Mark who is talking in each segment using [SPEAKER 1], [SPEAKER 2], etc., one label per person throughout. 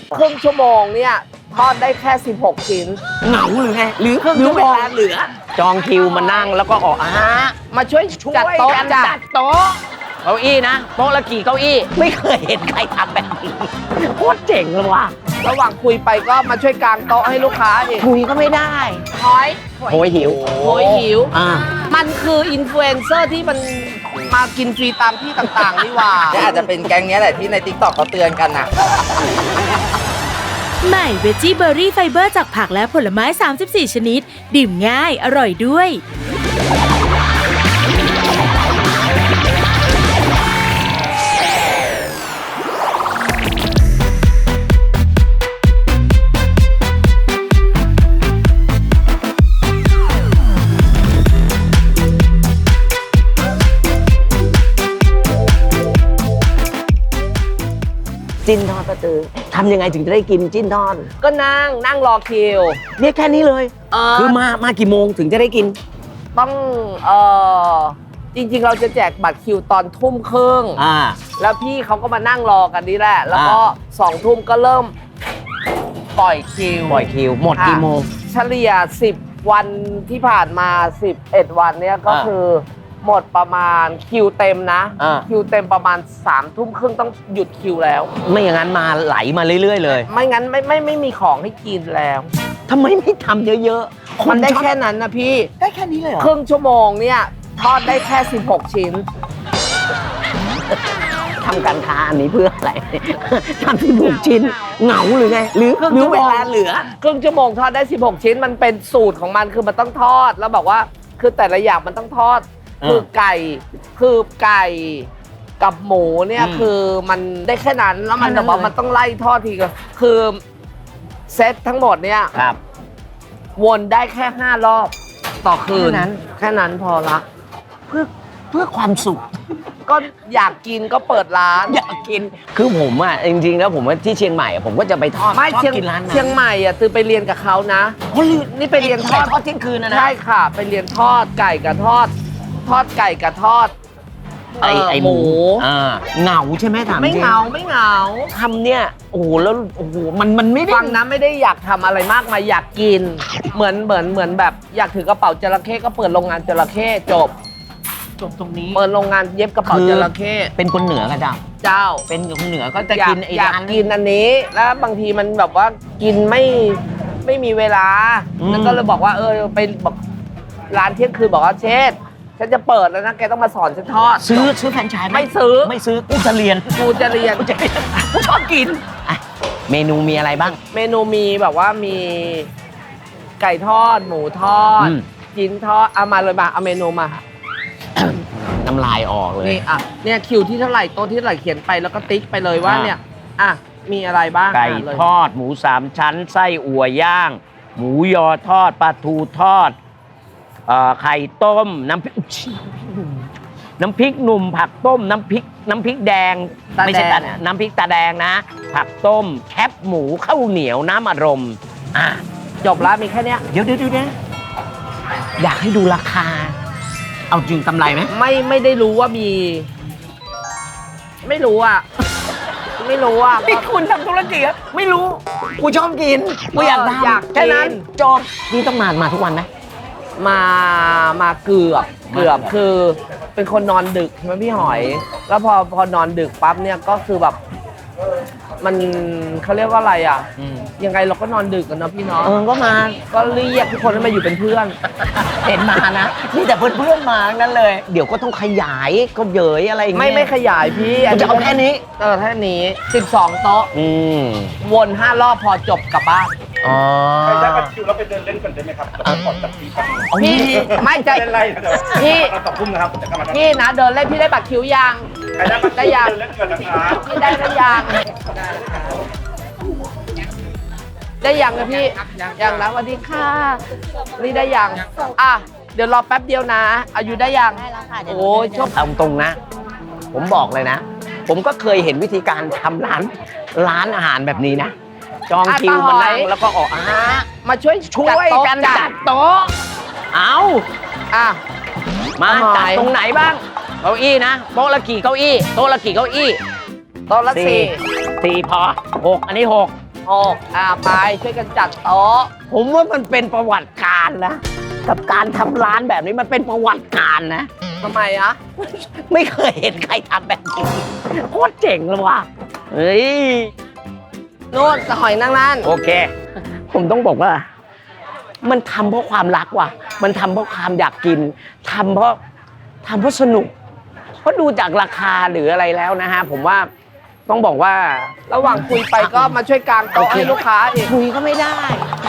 [SPEAKER 1] ครึ่งชั่วโมงเนี่ยทอดได้แค่16ชิ้น
[SPEAKER 2] เหงาหรือไงหรือ
[SPEAKER 1] ครึ่งชั่วโมงเหลือ
[SPEAKER 2] จองคิวมานั่งแล้วก็ออก
[SPEAKER 1] มาช่วยจัดโต๊ะ
[SPEAKER 2] จัดโต๊ะเก้าอี้นะโต๊ะละกี่เก้าอี้ไม่เคยเห็นใครทำแบบนี้โคตรเจ๋งเลยว่ะ
[SPEAKER 1] ระหว่างคุยไปก็มาช่วยกางโต๊ะให้ลูกค้าเอง
[SPEAKER 2] คุยก็ไม่ได้
[SPEAKER 1] โหยหิวมันคืออินฟลูเอนเซอร์ที่มันมากินฟรีตามที่ต่างๆนี่ว่า
[SPEAKER 3] นี่อาจจะเป็นแก๊งนี้แหละที่ใน TikTok เขาเตือนกันนะ
[SPEAKER 4] ใหม่เวจี้เบอร์รี่ไฟเบอร์จากผักและผลไม้34ชนิดดื่มง่ายอร่อยด้วย
[SPEAKER 2] จิ้นทอดป้าตือทำยังไงถึงจะได้กินจิ้นทอด
[SPEAKER 1] ก็นั่งรอคิว
[SPEAKER 2] เนี่ยแค่นี้เลยคือมากี่โมงถึงจะได้กิน
[SPEAKER 1] ต้องจริงๆเราจะแจกบัตรคิวตอนทุ่มครึ่งแล้วพี่เขาก็มานั่งรอกันนี่แหละแล้วก็2 ทุ่มก็เริ่มปล่อยคิว
[SPEAKER 2] หมดกี่โมง
[SPEAKER 1] เฉลี่ย10 วันที่ผ่านมา11 วันเนี่ยก็คือหมดประมาณคิวเต็มนะคิวเต็มประมาณ3 ทุ่มครึ่งต้องหยุดคิวแล้ว
[SPEAKER 2] ไม่อย่างนั้นมาไหลมาเรื่อยๆเลย
[SPEAKER 1] ไม่งั้นไม่มีของให้กินแล้ว
[SPEAKER 2] ทำไมไม่ทำเยอะ
[SPEAKER 1] ๆมันได้แค่นั้นนะพี่
[SPEAKER 2] ได้แค่นี้เลยเหรอ
[SPEAKER 1] ครึ่งชั่วโมงเนี่ยทอดได้แค่16 ชิ้น
[SPEAKER 2] ทำการค้าอันนี้เพื่ออะไรทำ16 ชิ้นเหงาหรือไงหรือเวลาเหลือ
[SPEAKER 1] ครึ่งชั่วโมงทอดได้16 ชิ้นมันเป็นสูตรของมันคือมันต้องทอดแล้วบอกว่าคือแต่ละอย่างมันต้องทอดคือไก่กับหมูเนี่ยคือมันได้แค่นั้นแล้วมันแต่ว่ามันต้องไล่ทอดทีก็คือเซตทั้งหมดเนี่ยวนได้แค่5 รอบต่อคืนแค่นั้นพอละ
[SPEAKER 2] เพื่อความสุข
[SPEAKER 1] ก็อยากกินก็เปิดร้าน
[SPEAKER 2] อยากกินคือผมอ่ะจริงๆแล้วผมว่าที่เชียงใหม่ผมก็จะไปทอด
[SPEAKER 1] ไม่เชียงใหม่อ่ะตือไปเรียนกับเขานะนี่ไปเรียนทอด
[SPEAKER 2] เที่ยงคืนนะ
[SPEAKER 1] ใช่ค่ะไปเรียนทอดไก่กับทอดไก่กับทอด
[SPEAKER 2] ไอหมูเหงาใช่ไหมถาม
[SPEAKER 1] ไม่เหงา
[SPEAKER 2] ทำเนี่ยโอ้โหแล้วโอ้โหมันไม่ได้
[SPEAKER 1] ฟังนะไม่ได้อยากทำอะไรมากมายอยากกินเหมือนแบบอยากถือกระเป๋าจระเข้ก็เปิดโรงงานจระเข้จบ
[SPEAKER 2] ตรงนี้
[SPEAKER 1] เปิดโรงงานเย็บกระเป๋าจระเข้
[SPEAKER 2] เป็นคนเหนือก็เจ้าเป็นคนเหนือก็จะกิน
[SPEAKER 1] อยากกินอันนี้แล้วบางทีมันแบบว่ากินไม่มีเวลาแล้วก็เลยบอกว่าไปบอกร้านเที่ยงคืนบอกว่าเชษฉันจะเปิดแล้วนะแกต้องมาสอนฉันทอด
[SPEAKER 2] ซื้อแฟรนไชส์
[SPEAKER 1] ไม่ซื้อ
[SPEAKER 2] กูจะเรียน
[SPEAKER 1] กูชอบกิน
[SPEAKER 2] เมนูมีอะไรบ้าง
[SPEAKER 1] เมนูมีแบบว่ามีไก่ทอดหมูทอดชิ้นทอดเอามาเลยเอาเมนูมา
[SPEAKER 2] น้ำลายออกเลย
[SPEAKER 1] นี่เนี่ยคิวที่เท่าไหร่โต๊ะที่เท่าไหร่เขียนไปแล้วก็ติ๊กไปเลยว่าเนี่ยมีอะไรบ้าง
[SPEAKER 2] ไก่ทอดหมู3 ชั้นไส้อั่วย่างหมูยอทอดปลาทูทอดไข่ต้มน้ำพริกหนุ่มผักต้มน้ำพริกแดงไม่ใช่น้ำพริกตาแดงนะผักต้มแคบหมูข้าวเหนียวน้ำอารมณ์
[SPEAKER 1] จบแล้วมีแค่นี้
[SPEAKER 2] เดี๋ยวอยากให้ดูราคาเอาจริงกำไรไหม
[SPEAKER 1] ไม่ได้รู้ว่ามีไม่รู้
[SPEAKER 2] ที่คุณทำธุรกิจไม่รู้กูชอบกินกูอยากทำแค่นั้นจบนี่ต้องมาทุกวันไหม
[SPEAKER 1] มาเกือบคือเป็นคนนอนดึกใช่ไหมพี่หอยแล้วพอนอนดึกปั๊บเนี่ยก็คือแบบมันเขาเรียกว่าอะไรยังไงเราก็นอนดึกกันเนาะพี่เนาะ
[SPEAKER 2] ก็มา
[SPEAKER 1] ก็เรียกทุกคนให้มาอยู่เป็นเพื่อน
[SPEAKER 2] เห็นมานะนี่แต่เพื่อนมานั่นเลยเดี๋ยวก็ต้องขยายก็เยยอะไรอย่างเงี้ย
[SPEAKER 1] ไม่ขยายพี่
[SPEAKER 2] จะเอาแค่นี้
[SPEAKER 1] แค่นี้12 โต๊ะวน5 รอบพอจบกลับบ้าน
[SPEAKER 5] ใครได้บัตรคิวแล้วไปเดินเล่นกันได้ไหมครับขอจัดทีครับ
[SPEAKER 1] พี่ไม่ใจ
[SPEAKER 5] พี่2 ทุ่มนะครับ
[SPEAKER 1] พี่นะเดินเล่นพี่ได้บัตรคิวยัง
[SPEAKER 5] ได้ยังเล่นกันนะครับ
[SPEAKER 1] พี่ได้ยังนะพี่ยังนะสวัสดีค่ะนี่ได้ยังเดี๋ยวรอแป๊บเดียวนะอายุได้ยัง
[SPEAKER 4] ได้แล้วค่ะ
[SPEAKER 1] โอ้ยชอบ
[SPEAKER 2] ตรงนะผมบอกเลยนะผมก็เคยเห็นวิธีการทำร้านอาหารแบบนี้นะจองคิวมานั่งแล้วก็ออก
[SPEAKER 1] มาช่วย
[SPEAKER 2] กันจัดโต๊ะเอามาจัดตรงไหนบ้างเก้าอี้นะโต๊ะละกี่เก้าอี้โต๊ะละกี่เก้าอี้
[SPEAKER 1] โต๊ะละ4
[SPEAKER 2] พอ6อันนี้6
[SPEAKER 1] 6ไปช่วยกันจัดโต๊ะ
[SPEAKER 2] ผมว่ามันเป็นประวัติการนะ กับการทำร้านแบบนี้มันเป็นประวัติการนะ
[SPEAKER 1] ทำไมอะ
[SPEAKER 2] ไม่เคยเห็นใครทำแบบนี้โคตรเจ๋งเลยว่ะเฮ้ย
[SPEAKER 1] นู่นหอยนั่งนั่น
[SPEAKER 2] โอเค ผมต้องบอกว่า มันทำเพราะความรักว่ะ มันทำเพราะความอยากกินทำเพราะสนุก เพราะดูจากราคาหรืออะไรแล้วนะฮะ ผมว่าต้องบอกว่า
[SPEAKER 1] ระหว่างคุยไปก็มาช่วยกางโต๊ะให้ลูกค้าอีก
[SPEAKER 2] คุยก็ไม่ได้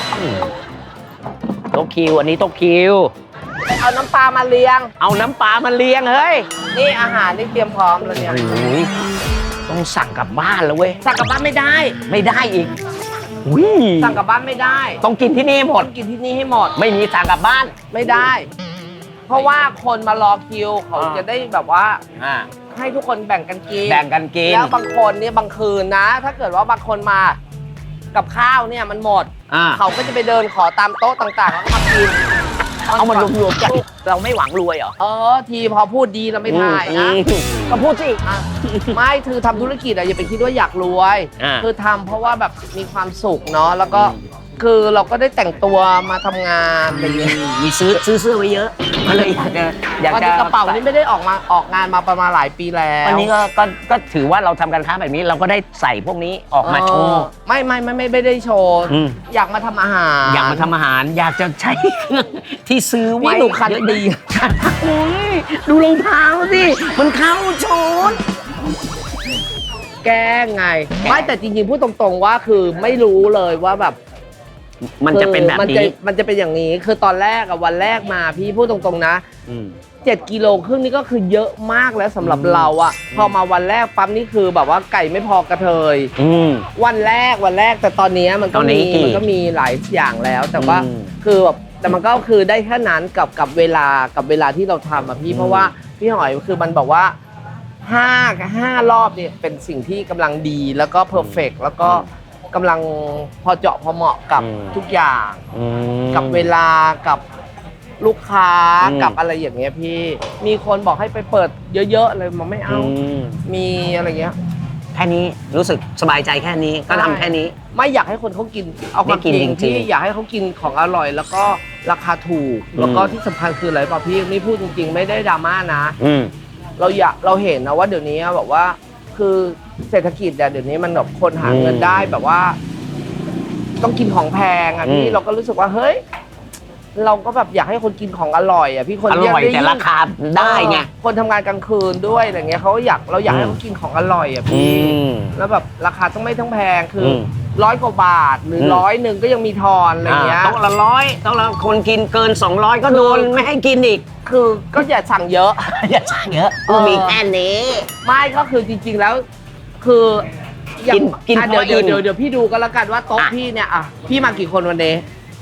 [SPEAKER 2] โต๊ะคิวอันนี้โต๊ะคิว
[SPEAKER 1] เอาน้ำปลามาเลี้ยง
[SPEAKER 2] เอาน้ำปลามาเลี้ยงเฮ้ย
[SPEAKER 1] นี่อาหารนี่เตรียมพร้อมแล้วเนี่ย
[SPEAKER 2] โอ้ยต้องสั่งกลับบ้านแล้วเว้ย
[SPEAKER 1] สั่งกลับบ้านไม่ได้
[SPEAKER 2] ไม่ได้อีกอุ้ย
[SPEAKER 1] สั่งกลับบ้านไม่ได้
[SPEAKER 2] ต้องกินที่นี่หมด
[SPEAKER 1] ต้องกินที่นี่ให้หมด
[SPEAKER 2] ไม่มีสั่งกลับบ้าน
[SPEAKER 1] ไม่ได้ เพราะว่าคนมารอคิวเขาจะได้แบบว่า
[SPEAKER 2] อ่า
[SPEAKER 1] ให้ทุกคนแบ่งกันกิน
[SPEAKER 2] แบ่งกันกิน
[SPEAKER 1] แล้วบางคนเนี่ยบางคืนนะ ถ้าเกิดว่าบางคนมากับข้าวเนี่ยมันหมด
[SPEAKER 2] อ่า
[SPEAKER 1] เขาก็จะไปเดินขอตามโต๊ะต่างๆแล้วก็มากิน
[SPEAKER 2] เอามารวมๆกัน เราไม่หวังรวยเหรอ
[SPEAKER 1] ทีพอพูดดีเราไม่ได้นะ
[SPEAKER 2] ก็พูดสิ
[SPEAKER 1] อ่ะไม่คือทำธุรกิจอะอย่าไปคิดว่าอยากรวย
[SPEAKER 2] อ่า
[SPEAKER 1] คือทำเพราะว่าแบบมีความสุขเนาะแล้วก็คือเราก็ได้แต่งตัวมาทำงานอะไรอย่างเงี้ย
[SPEAKER 2] มีซื้อเสื้อไว้เยอะก็เลยอยาก
[SPEAKER 1] วัน
[SPEAKER 2] จะ
[SPEAKER 1] นี้กระเป๋านี่ไม่ได้ออกงานมาประมาณหลายปีแล้ว
[SPEAKER 2] วันนี้ก็ถือว่าเราทำการค้าแบบนี้เราก็ได้ใส่พวกนี้ออกมาโชว์
[SPEAKER 1] ไม่ได้โชว์
[SPEAKER 2] อืม
[SPEAKER 1] อยากมาทำอาหาร
[SPEAKER 2] อยากมาทำอาหาร อยากจะใช้เครื่องที่ซื้อไว้
[SPEAKER 1] พี่หนูคันดี
[SPEAKER 2] โอ้ยดูรองเท้าสิมันเข้าชุด
[SPEAKER 1] แกล้งไงไม่แต่จริงๆพูดตรงๆว่าคือไม่รู้เลยว่าแบบ
[SPEAKER 2] มันจะเป็นแบบ
[SPEAKER 1] มัน
[SPEAKER 2] นี้
[SPEAKER 1] มันจะเป็นอย่างนี้คือตอนแรกอะวันแรกมาพี่พูดตรงๆนะ
[SPEAKER 2] อืม
[SPEAKER 1] 7 กิโลครึ่งนี่ก็คือเยอะมากแล้วสำหรับเราอะพอมาวันแรกปั๊มนี่คือแบบว่าไก่ไม่พอกระเทย
[SPEAKER 2] อืม
[SPEAKER 1] วันแรกแต่ตอนนี้มัน
[SPEAKER 2] ต
[SPEAKER 1] ก็
[SPEAKER 2] อนนี้
[SPEAKER 1] มี
[SPEAKER 2] กี่
[SPEAKER 1] มันก็มีหลายอย่างแล้ว แต่ว่า
[SPEAKER 2] อืม
[SPEAKER 1] คือแบบแต่มันก็คือได้แค่นั้นกับเวลาที่เราทำอะพี่เพราะว่าพี่หอยคือมันบอกว่า5 รอบเนี่ยเป็นสิ่งที่กำลังดีแล้วก็เพอร์เฟกแล้วก็กำลังพอเจาะพอเหมาะกับทุกอย่าง
[SPEAKER 2] อืม
[SPEAKER 1] กับเวลากับลูกค้า
[SPEAKER 2] อืม
[SPEAKER 1] กับอะไรอย่างเงี้ยพี่มีคนบอกให้ไปเปิดเยอะๆเลยมันไม่เอา
[SPEAKER 2] ม
[SPEAKER 1] มีอะไรเงี้ย
[SPEAKER 2] แค่นี้รู้สึกสบายใจแค่นี้ก็ทำแค่นี้
[SPEAKER 1] ไม่อยากให้คนเขากินเอาความ
[SPEAKER 2] ได้กิน
[SPEAKER 1] จริง
[SPEAKER 2] จริงๆ
[SPEAKER 1] ที่อยากให้เขากินของอร่อย แล้วก็ราคาถูก แล้วก็ที่สำคัญคืออะไรป่ะพี่นี่พูดจริงๆ ไม่ได้ดราม่านะ
[SPEAKER 2] อืม
[SPEAKER 1] เราเห็นนะว่าเดี๋ยวนี้แบบว่า คือเศรษฐกิจเดี๋ยวนี้มันแบบคนหาเงินได้แบบว่า ต้องกินของแพงอ่ะพี่เราก็รู้สึกว่าเฮ้ยเราก็แบบอยากให้คนกินของอร่อยอ่ะพี่คน
[SPEAKER 2] อร่อย
[SPEAKER 1] เรีก
[SPEAKER 2] แต่ราคาได้ไง
[SPEAKER 1] คนทำงานกลางคืนด้วยอะไรเงี้ยเราอยากให้เขากินของอร่อยอ่ะพี่
[SPEAKER 2] ม
[SPEAKER 1] แล้วแบบราคาต้องไม่ทั้งแพงคืออ
[SPEAKER 2] ม
[SPEAKER 1] 100 กว่าบาทหรือ 100 ก็ยังมีทอนอะไรเงี้ย
[SPEAKER 2] โต๊ะละ100โต๊ะละคนกินเกิน200ก็โดนไม่ให้กินอีก
[SPEAKER 1] คือก็อย่าสั่งเยอะ
[SPEAKER 2] อย่าสั่งเยอะกูมีแค่นี้
[SPEAKER 1] ไม่ก็คือจริงๆแล้วคืออย่าง
[SPEAKER 2] กิน
[SPEAKER 1] อ่ะ
[SPEAKER 2] พอ
[SPEAKER 1] เดี๋ยว
[SPEAKER 2] อิ่ม
[SPEAKER 1] เดี๋ยวพี่ดูก็แล้วกันว่าโต๊ะ
[SPEAKER 2] อ่ะ
[SPEAKER 1] พี่เนี่ยอ่ะพี่มากี่คนวันนี้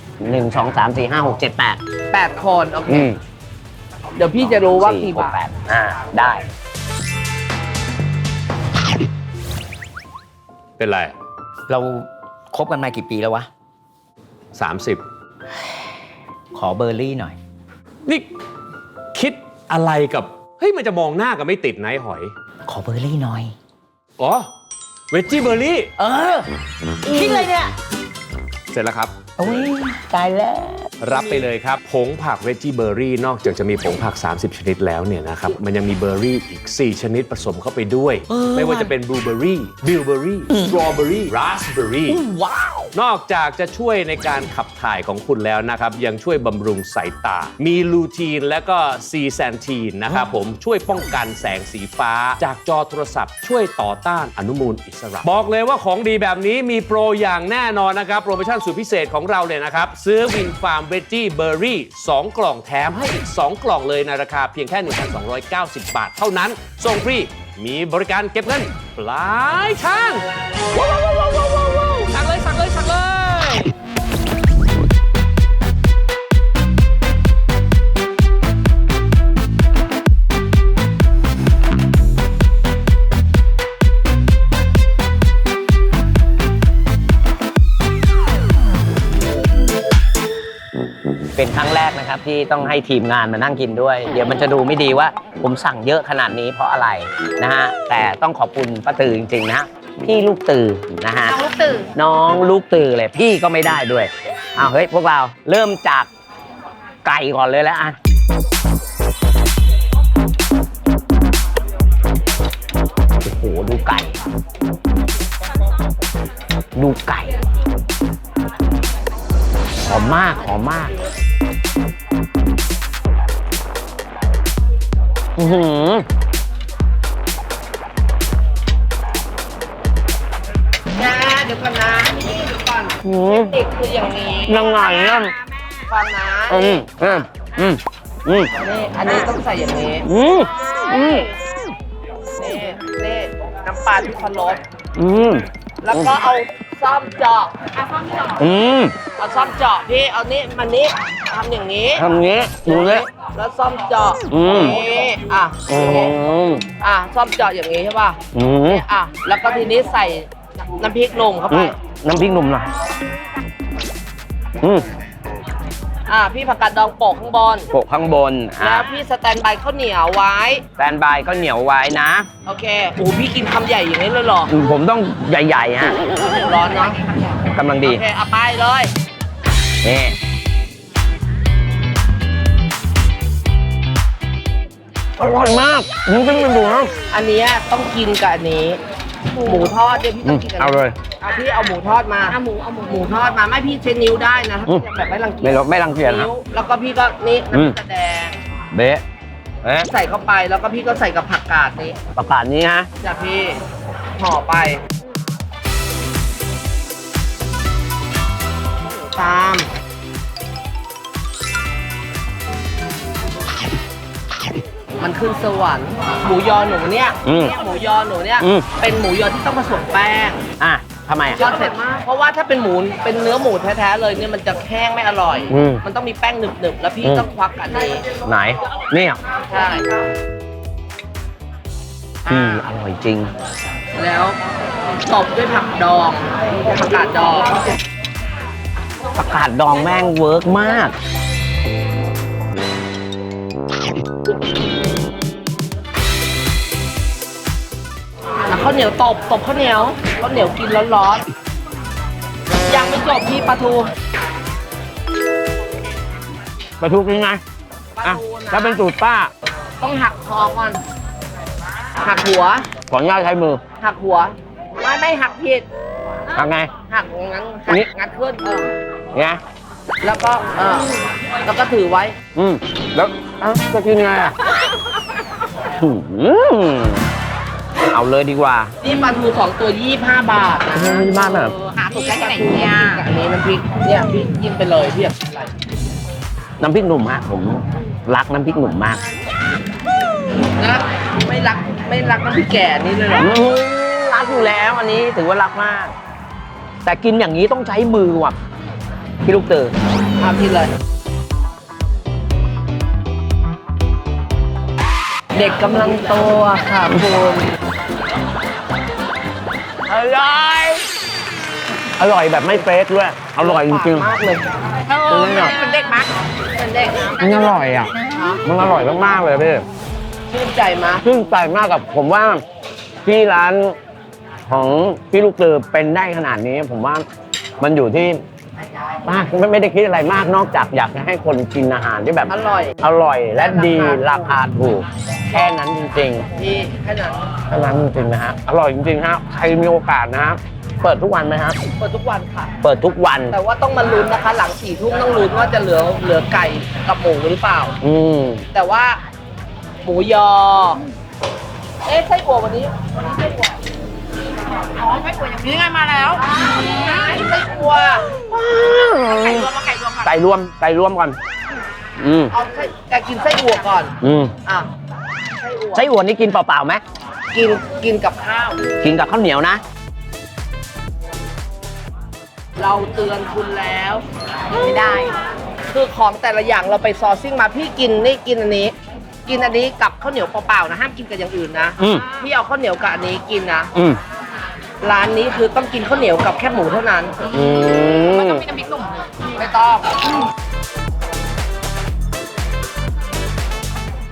[SPEAKER 2] 1 2 3 4 5 6 7 8
[SPEAKER 1] 8 คนโอเค
[SPEAKER 2] อืม
[SPEAKER 1] เดี๋ยวพี่จะรู้ว่ากี่
[SPEAKER 2] 4 6
[SPEAKER 1] บาท
[SPEAKER 2] 8ได้
[SPEAKER 6] เป็นไร
[SPEAKER 2] เราคบกันมากี่ปีแล้ววะ
[SPEAKER 6] 30
[SPEAKER 2] ขอเบอร์รี่หน่อย
[SPEAKER 6] นี่คิดอะไรกับ เฮ้ย มันจะมองหน้ากันไม่ติดนะไอ้หอย
[SPEAKER 2] ขอเบอร์รี่หน่อย
[SPEAKER 6] อ๋อ เวจจี้เบอร์รี่
[SPEAKER 2] เออ คิดเลยเนี่ย
[SPEAKER 6] เสร็จแล้วครับ
[SPEAKER 2] โอ้ยตายแล้ว
[SPEAKER 6] รับไปเลยครับ ผงผักเวจจี้เบอร์รี่นอกจากจะมีผงผัก 30 ชนิดแล้วเนี่ยนะครับ มันยังมีเบอร์รี่อีก 4 ชนิดผสมเข้าไปด้วย ไม่ว่าจะเป็นบลูเบอร์รี่ บิลเบอร์รี่ สตรอเบอร์รี่ ราสเบอร์รี่
[SPEAKER 2] ว้าว
[SPEAKER 6] นอกจากจะช่วยในการขับถ่ายของคุณแล้วนะครับ ยังช่วยบำรุงสายตา มีลูทีนและก็ซีแซนทีนนะครับผมช่วยป้องกันแสงสีฟ้า จากจอโทรศัพท์ช่วยต่อต้านอนุมูลอิสระ บอกเลยว่าของดีแบบนี้มีโปรอย่างแน่นอนนะครับ โปรโมชั่นสุดพิเศษของเราเลยนะครับ ซื้อวินฟาร์มเวจจี้เบอร์รี่2กล่องแถมให้อีก 2 กล่องเลยในราคาเพียงแค่ 1,290 บาทเท่านั้นส่งฟรีมีบริการเก็บเงินปลายทางว้าวสั่งเลยสั่งเลยสั่งเลย
[SPEAKER 2] เเป็นครั้งแรกนะครับที่ต้องให้ทีมงานมานั่งกินด้วย เดี๋ยวมันจะดูไม่ดีว่าผมสั่งเยอะขนาดนี้เพราะอะไรนะฮะแต่ต้องขอบคุณป้าตือจริงๆนะฮะพี่ลูกตือนะฮะ
[SPEAKER 7] น้องลูกตื่น
[SPEAKER 2] น้องลูกตือเลยพี่ก็ไม่ได้ด้วยอ้าวเฮ้ยพวกเราเริ่มจากไก่ก่อนเลยแล้วอ่ะโอ้โหดูไก่ดูไก่หอมมากหอมมากอือหือ
[SPEAKER 1] เดี๋ยวก่อนนะนี่เดี๋ยวก่อน
[SPEAKER 2] หือ
[SPEAKER 1] เด็กคืออย่างนี้
[SPEAKER 2] ยังไงนั่น
[SPEAKER 1] ฟังนะ
[SPEAKER 2] อืมอืมอืมอืม
[SPEAKER 1] นี่อันนี้ต้องใส่อย่างนี้
[SPEAKER 2] อืมอืม
[SPEAKER 1] นี่น้ำปลาที่พะรส
[SPEAKER 2] อืม
[SPEAKER 1] แล้วก็เอาซ่อมเจาะ
[SPEAKER 2] อืม
[SPEAKER 1] เอาซ่อมเจาะพี่เอานี่มันนี้ทำอย่างนี้
[SPEAKER 2] ทำงี้ดูเลย
[SPEAKER 1] แล้วซ่อมเจาะ
[SPEAKER 2] อืม
[SPEAKER 1] นี่อ่ะ
[SPEAKER 2] อืม
[SPEAKER 1] ซ่อมเจาะอย่างนี้ใช่ป่ะ
[SPEAKER 2] อืม
[SPEAKER 1] แล้วก็ทีนี้ใส่น้ำพริกลงเข้า
[SPEAKER 2] อื
[SPEAKER 1] ไป
[SPEAKER 2] มน้ำพริกหนุ่มหน่อยอืม
[SPEAKER 1] พี่ผักกาดดองโปะข้างบน
[SPEAKER 2] โปะข้างบน
[SPEAKER 1] แล้วพี่สแตนบายข้าวเหนียวไว้
[SPEAKER 2] แฟนบายก็เหนียวไว้นะ
[SPEAKER 1] โอเคโอ้พี่กินคำใหญ่อย่างนี้เลยเหรอ
[SPEAKER 2] ผมต้องใหญ่ๆฮะ
[SPEAKER 1] ร้อนเนาะ
[SPEAKER 2] กำลังดี
[SPEAKER 1] โอเคเอาไปเลย
[SPEAKER 2] นี่อร่อยมากมึงต้องไปดูนะ
[SPEAKER 1] อันเนี้ยต้องกินกับอันนี้ หมูทอดเนี่ยพี่ต้องกินกับ
[SPEAKER 2] เอาเลย
[SPEAKER 1] พี่เอาหมูทอดมาเอาหมูทอดมาไม่พี่เช็ดนิ้วได้นะถ้าพี่จะแบบไม่รังเกียจ
[SPEAKER 2] ไม่รังเกียจนะ
[SPEAKER 1] นิ้วแล้วก็พี่ก็นี่น้ำพริกตาแดง
[SPEAKER 2] เบ๊ะเอ๊ะ
[SPEAKER 1] ใส่เข้าไปแล้วก็พี่ก็ใส่กับผักกาดนี้
[SPEAKER 2] ประกาศนี้ฮะ
[SPEAKER 1] จากพี่ห่อไปตามมันขึ้นสวรรค์หมูยอหนูเนี่ย
[SPEAKER 2] อืม
[SPEAKER 1] หมูยอหนูเนี่ย
[SPEAKER 2] อืม
[SPEAKER 1] เป็นหมูยอที่ต้องผสมแป้ง
[SPEAKER 2] อ่ะทำไมอ่ะ
[SPEAKER 1] ยอดเสร็จมากเพราะว่าถ้าเป็นหมูเป็นเนื้อหมูแท้ๆเลยเนี่ยมันจะแห้งไม่อร่อย
[SPEAKER 2] อืม
[SPEAKER 1] มันต้องมีแป้งหนึบๆแล้วพี่
[SPEAKER 2] อืม
[SPEAKER 1] ต้องควักอันนี้
[SPEAKER 2] ไหนนี่อ่ะ
[SPEAKER 1] ใช่
[SPEAKER 2] อร่อยจริง
[SPEAKER 1] แล้วตบด้วยผักดองผักกาดดอง
[SPEAKER 2] ประกาศดองแม่งเวิร์กมาก
[SPEAKER 1] ข้าวเหนียวตบข้าวเหนียวกินร้อนๆยังไม่จบพี่ปลาทู
[SPEAKER 2] ปลาทูกินไงอ่ะถ้าเป็นสูตรป้า
[SPEAKER 1] ต้องหักคอก่อนหักหัว
[SPEAKER 2] ขออนุญาตใช้มือ
[SPEAKER 1] หักหัวไม่หักผิด
[SPEAKER 2] ทำไง
[SPEAKER 1] หักงั้น
[SPEAKER 2] นี่
[SPEAKER 1] งัดขึ้น
[SPEAKER 2] เนี่ย
[SPEAKER 1] แล้วก็แล้วก็ถือไว้
[SPEAKER 2] แล้วจะกินไงอ่ะเอาเลยดีกว่า
[SPEAKER 1] นี่ปลาทู2 ตัว25 บาทนะ
[SPEAKER 2] ไม่มากแบบ
[SPEAKER 1] หาถูกได้ที่ไหนเนี่ยอันนี้น้ำพริกเนี่ยพี่ยิ้มไปเลยพี่อยากกินอะไร
[SPEAKER 2] น้ำพริกหนุ่มฮะผมรักน้ำพริกหนุ่มมาก
[SPEAKER 1] นะไม่รักน้ำพริกแก่นี่เลยเหรอ
[SPEAKER 2] รักอยู่แล้วอันนี้ถือว่ารักมาก แต่กินอย่างนี้ต้องใช้มือว่ะพี่ลูกเต๋อ
[SPEAKER 1] พี่เลย เด็กกำลังโตอะค่ะคุณ
[SPEAKER 2] อร่อยอร่อยแบบไม่เฟกด้วยอร่อยจริง
[SPEAKER 1] มากเลย
[SPEAKER 7] เป็นเด็กมั้ยเป็นเด็ก
[SPEAKER 2] ๆมันอร่อยอ่ะมันอร่อยมากๆเลยพี่
[SPEAKER 1] ชื่นใจมาก
[SPEAKER 2] ชื่นใจมากกับผมว่าที่ร้านของพี่ลูกเต๋อเป็นได้ขนาดนี้ ผมว่ามันอยู่ที่ป้าไม่ได้คิดอะไรมากนอกจากอยากจะให้คนกินอาหารที่แบบ
[SPEAKER 1] อร่อย
[SPEAKER 2] อร่อยและดีราคาถูก แค่นั้นจริง
[SPEAKER 1] พี่แค่นั้น
[SPEAKER 2] ๆแค่นั้นจริงๆนะฮะอร่อยจริงๆฮะใครมีโอกาสนะฮะเปิดทุกวันไหมฮะ
[SPEAKER 1] เปิดทุกวันค่ะ
[SPEAKER 2] เปิดทุกวัน
[SPEAKER 1] แต่ว่าต้องมาลุ้นนะคะ หลัง4 ทุ่มต้องลุ้นว่าจะเหลือไก่กับหมูหรือเปล่า แต่ว่าหมูยอ ไส้อั่ววันนี้ไส้อั่ว
[SPEAKER 7] อ๋อไม่ป่วยอย่างนี้ไงมาแล้ว
[SPEAKER 1] ไส้อั่ว
[SPEAKER 7] ไก่รวมมาไก่รวมก่อน
[SPEAKER 2] ไก่รวมก่อน
[SPEAKER 1] เอาแกกินไส้อั่วก่อนอ่ะไส้อั่ว
[SPEAKER 2] ไส้อั่วนี่กินเปล่าๆไหม
[SPEAKER 1] กินกับข้าว
[SPEAKER 2] กินกับข้าวเหนียวนะ
[SPEAKER 1] เราเตือนคุณแล้ว
[SPEAKER 7] ไม่ได้
[SPEAKER 1] คือของแต่ละอย่างเราไปซอร์ซิ่งมาพี่กินนี่กินอันนี้ กินอันนี้กับข้าวเหนียวเปล่าๆนะห้ามกินกับอย่างอื่นนะ พี่เอาข้าวเหนียวกับอันนี้กินนะร้านนี้คือต้องกินข้าวเหนียวกับแค่หมูเท่านั้น
[SPEAKER 7] มันต้องมีน้ำพริกหนุ่ม
[SPEAKER 1] ไม่ต้อง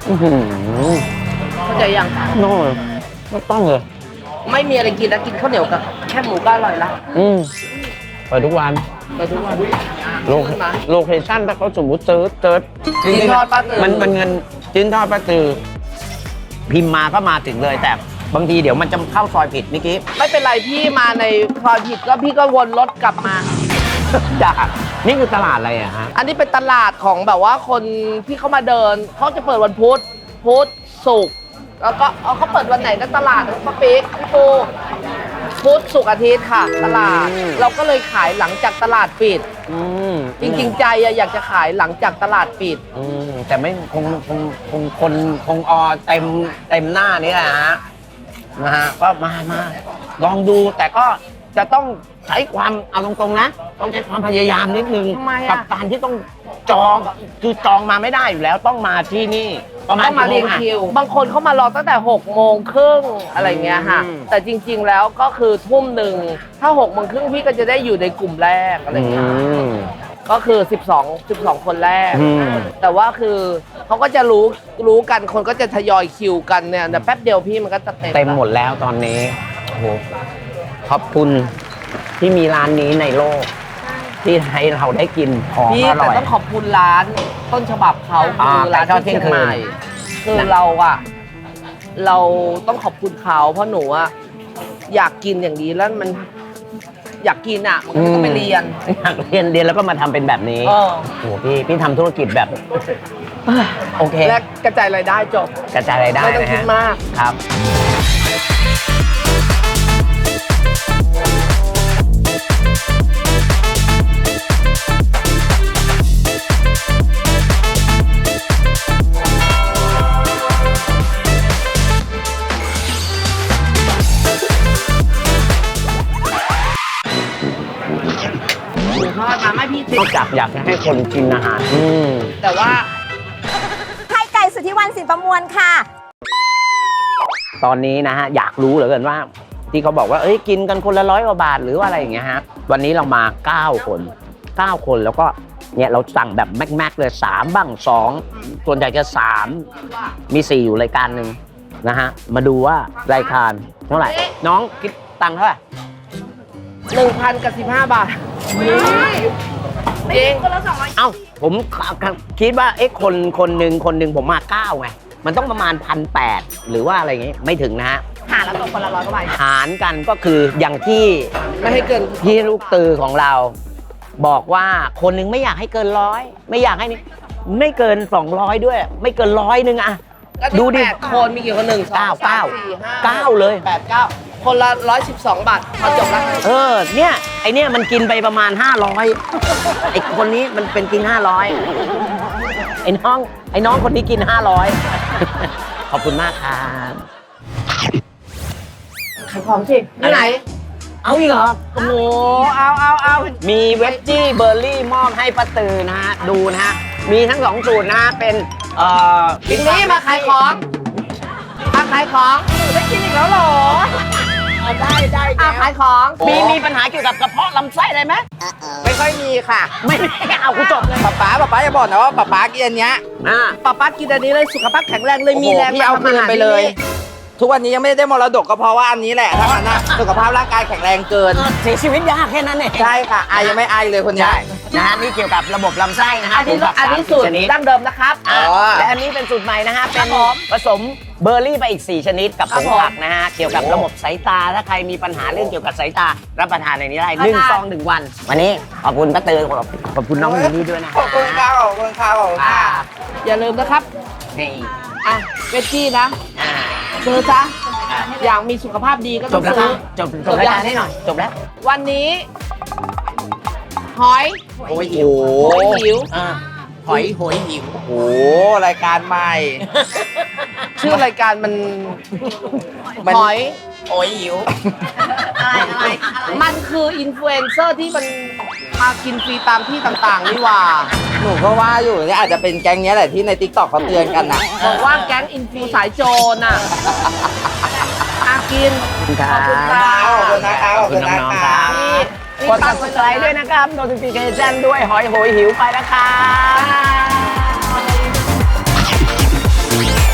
[SPEAKER 1] เข้าใจยัง
[SPEAKER 2] โน่ไม่ต้องเลย
[SPEAKER 1] ไม่มีอะไรกินแล้วกินข้าวเหนียวกับแค่หมูก็อร่อยละ
[SPEAKER 2] เปิดทุกวัน
[SPEAKER 1] ไปทุกวัน
[SPEAKER 2] โลเคชั่นถ้าเขาสมมติเซิร์ช
[SPEAKER 1] จิ้นทอดป้าตือ
[SPEAKER 2] มันเงินจิ้นทอดป้าตือพิมพ์มาก็มาถึงเลยแต่บางทีเดี๋ยวมันจะเข้าซอยผิดเมื่อกี้
[SPEAKER 1] ไม่เป็นไรพี่มาในซอยผิดก็พี่ก็วนรถกลับมา
[SPEAKER 2] จ้านี่คือตลาดอะไรอะฮะ
[SPEAKER 1] อันนี้เป็นตลาดของแบบว่าคนที่เขามาเดินเขาจะเปิดวันพุธศุกร์แล้วก็เขาเปิดวันไหนก็ตลาดป้าปิ๊กพี่ปูพุธศุกร์อาทิตย์ค่ะ ตลาด เราก็เลยขายหลังจากตลาดปิด จริงๆใจอยากจะขายหลังจากตลาดปิด
[SPEAKER 2] แต่ไม่คงออเต็มหน้านี้แหละฮะนะฮะก็มาลองดูแต่ก็จะต้องใช้ความเอาตรงๆนะต้องใช้ความพยายามนิดนึง
[SPEAKER 1] ทำไมอะ
[SPEAKER 2] กับการที่ต้องจองคือจองมาไม่ได้อยู่แล้วต้องมาที่นี่ประมาณ
[SPEAKER 1] ต้องมาเรียง
[SPEAKER 2] กี่โงอะ
[SPEAKER 1] คิว บางคนเขามารอตั้งแต่6:30อะไรเงี้ยค่ะ แต่จริง ๆ แล้วก็คือทุ่มหนึ่งถ้า6:30พี่ก็จะได้อยู่ในกลุ่มแรกอะไรเงี้ย ก็คือ12คนแรก แต่ว่าคือเขาก็จะรู้กันคนก็จะทยอยคิวกันเนี่ยแต่แป๊บเดียวพี่มันก็จะเต็ม
[SPEAKER 2] เต็มหมดแล้วตอนนี้โอ้โหขอบคุณที่มีร้านนี้ในโลก ที่ให้เราได้กินของ
[SPEAKER 1] พี่
[SPEAKER 2] อร่
[SPEAKER 1] แต่
[SPEAKER 2] อย
[SPEAKER 1] ต้องขอบคุณร้านต้นฉบับเขา
[SPEAKER 2] อ่า
[SPEAKER 1] คือร้าน
[SPEAKER 2] ไก่ทอด
[SPEAKER 1] ที่เชียงใหม่
[SPEAKER 2] เที่ยงคืน
[SPEAKER 1] คือเราต้องขอบคุณเขาเพราะหนูอะอยากกินอย่างนี้แล้วมันอยากกินอะมันก็ต้องไปเรียน
[SPEAKER 2] อยากเรียนแล้วก็มาทำเป็นแบบนี้
[SPEAKER 1] เออ
[SPEAKER 2] โอ้โหพี่ทำธุรกิจแบบ โอเค
[SPEAKER 1] และกระจายรายได้จบ
[SPEAKER 2] กระจายรายได้
[SPEAKER 1] ไม่ต้อง
[SPEAKER 2] นะ
[SPEAKER 1] คิด
[SPEAKER 2] ฮะ
[SPEAKER 1] มาก
[SPEAKER 2] ครับ
[SPEAKER 1] หมูทอดมาไม่พี่
[SPEAKER 2] นอกจากอยากจะให้คนกินอาหาร
[SPEAKER 1] แต่ว่า
[SPEAKER 8] ไข่ไก่สุทธิวันสินประมวลค่ะ
[SPEAKER 2] ตอนนี้นะฮะอยากรู้เหลือเกินว่า ที่เขาบอกว่าเอ้ยกินกันคนละ100 กว่าบาทหรือว่าอะไรอย่างเงี้ยฮะวันนี้เรามา9 คนแล้วก็เนี่ยเราสั่งแบบแม็กเลย3บ้าง2ส่วนใหญ่จะ3มี4อยู่รายการหนึ่งนะฮะมาดูว่ารายการเท่าไหร่น้องคิดตังค์เท่าไหร่
[SPEAKER 1] 1,000 กับ 15 บาทจริง
[SPEAKER 2] เอ้าผมคิดว่าเอ๊ะคนหนึ่งผมมา9ไงมันต้องประมาณ1,800หรือว่าอะไรอย่างงี้ไม่ถึงนะฮะ
[SPEAKER 7] หาแล้วตกคนละ100 กว่าบาท
[SPEAKER 2] หารกันก็คืออย่างที่
[SPEAKER 1] ไม่ให้เกิน
[SPEAKER 2] ที่ลูกตือของเรา บอกว่าคนหนึ่งไม่อยากให้เกิน100ไม่อยากให้นี่ไม่เกิน200ด้วย ไม่เกิน100นึงอะ
[SPEAKER 1] ดู
[SPEAKER 2] ดูดิ
[SPEAKER 1] 8 คนมีกี่คน1 2 3 4 5
[SPEAKER 2] เลย
[SPEAKER 1] 8 9 คนละ112 บาทพอจบแล้ว
[SPEAKER 2] เนี่ยไอเนี่ยมันกินไปประมาณ500ไอคนนี้มันเป็นกิน500ไอ้น้องคนนี้กิน500 ขอบคุณมากครับ
[SPEAKER 1] ขายของสิที่ไหน
[SPEAKER 2] เอาอีกเหรอ
[SPEAKER 1] โอ้โหเอา
[SPEAKER 2] มีเวจจี้เบอร์รี่มอบให้ป้าตือนะฮะดูนะฮะมีทั้ง2 สูตรนะฮะเป็น
[SPEAKER 1] ทีนี้มาขายของมาขายของได้กินอีกแล้วเหรอได้ขายของ
[SPEAKER 2] มีปัญหาเกี่ยวกับกระเพาะลำไส้อะไรไหม
[SPEAKER 3] ไม่ค่อยมีค่ะ
[SPEAKER 2] ไม่เอากูจบเลย
[SPEAKER 3] ป๊าอย่าบอกนะว่าป๊ากินอันเนี้ย
[SPEAKER 1] ป้ากินอันนี้เลยสุขภาพแข็งแรงเลยมีแรง
[SPEAKER 3] พี่เอาคืนไปเลย ทุกวันนี้ยังไม่ได้มรดกก็เพราะว่าอันนี้แหละถ้างั้นนะสุขภาพร่างกายแข็งแรงเกิน
[SPEAKER 2] เสียชีวิตยากแค่นั้นเอง
[SPEAKER 3] ใช่ค่ะอายยังไม่อายเลยคนเนี้ย
[SPEAKER 2] นะฮะนี่เกี่ยวกับระบบลำไส้นะฮะ
[SPEAKER 1] อันนี้สูตร
[SPEAKER 2] ชนิด
[SPEAKER 1] ดั้งเดิมนะครับ
[SPEAKER 2] และอันนี้เป็นสูตรใหม่นะฮะเป็นผสมเบอร์รี่ไปอีก4 ชนิดกับผงผักนะฮะเกี่ยวกับระบบสายตาถ้าใครมีปัญหาเรื่องเกี่ยวกับสายตารับประทานในนี้ได้1 ซอง 1 วันวันนี้ขอบคุณป้าตือขอบคุณน้องมินนี่ด้วยนะ
[SPEAKER 3] ขอบคุณค่ะขอบคุณค่ะขอบคุณค่ะ
[SPEAKER 1] อย่าลืมนะครับ
[SPEAKER 2] นี่
[SPEAKER 1] อ่ะเวจจี้นะ
[SPEAKER 2] อ่า
[SPEAKER 1] ซื้อซะอย่างมีสุขภาพดีก็
[SPEAKER 2] จ
[SPEAKER 1] ต้อบ ง
[SPEAKER 2] แล้ว
[SPEAKER 1] ซื้อ
[SPEAKER 2] จบรายการให้หน่อยจบแล้ว
[SPEAKER 1] วันนี้หอย
[SPEAKER 3] โอ้ยหิว
[SPEAKER 1] หอยหิว
[SPEAKER 3] หอยหิวโอ้โหรายการใหม่
[SPEAKER 1] ชื่อรายการมัน
[SPEAKER 3] มัน
[SPEAKER 1] หอย
[SPEAKER 3] โอ้ยหิว
[SPEAKER 1] มันคืออินฟลูเอนเซอร์ที่มันมากินฟรีตามที่ต่างๆนี่หว่า
[SPEAKER 3] หนูก็ว่าอยู่เนี่ยอาจจะเป็นแก๊งเนี้ยแหละที่ในติ๊กต็อกเขาเตือนกันนะ
[SPEAKER 1] บอกว่าแก๊งอินฟูสายโจรน่ะอากิน
[SPEAKER 2] ขอบคุณค
[SPEAKER 1] ขอบคุณ
[SPEAKER 2] รั
[SPEAKER 1] ครับ
[SPEAKER 3] ขอบคุณนะคะ
[SPEAKER 2] ขอบคุณน้องๆครับ กด subscribe ด้วยนะครับ notification ด้วยหอยโหยหิวไปนะครับ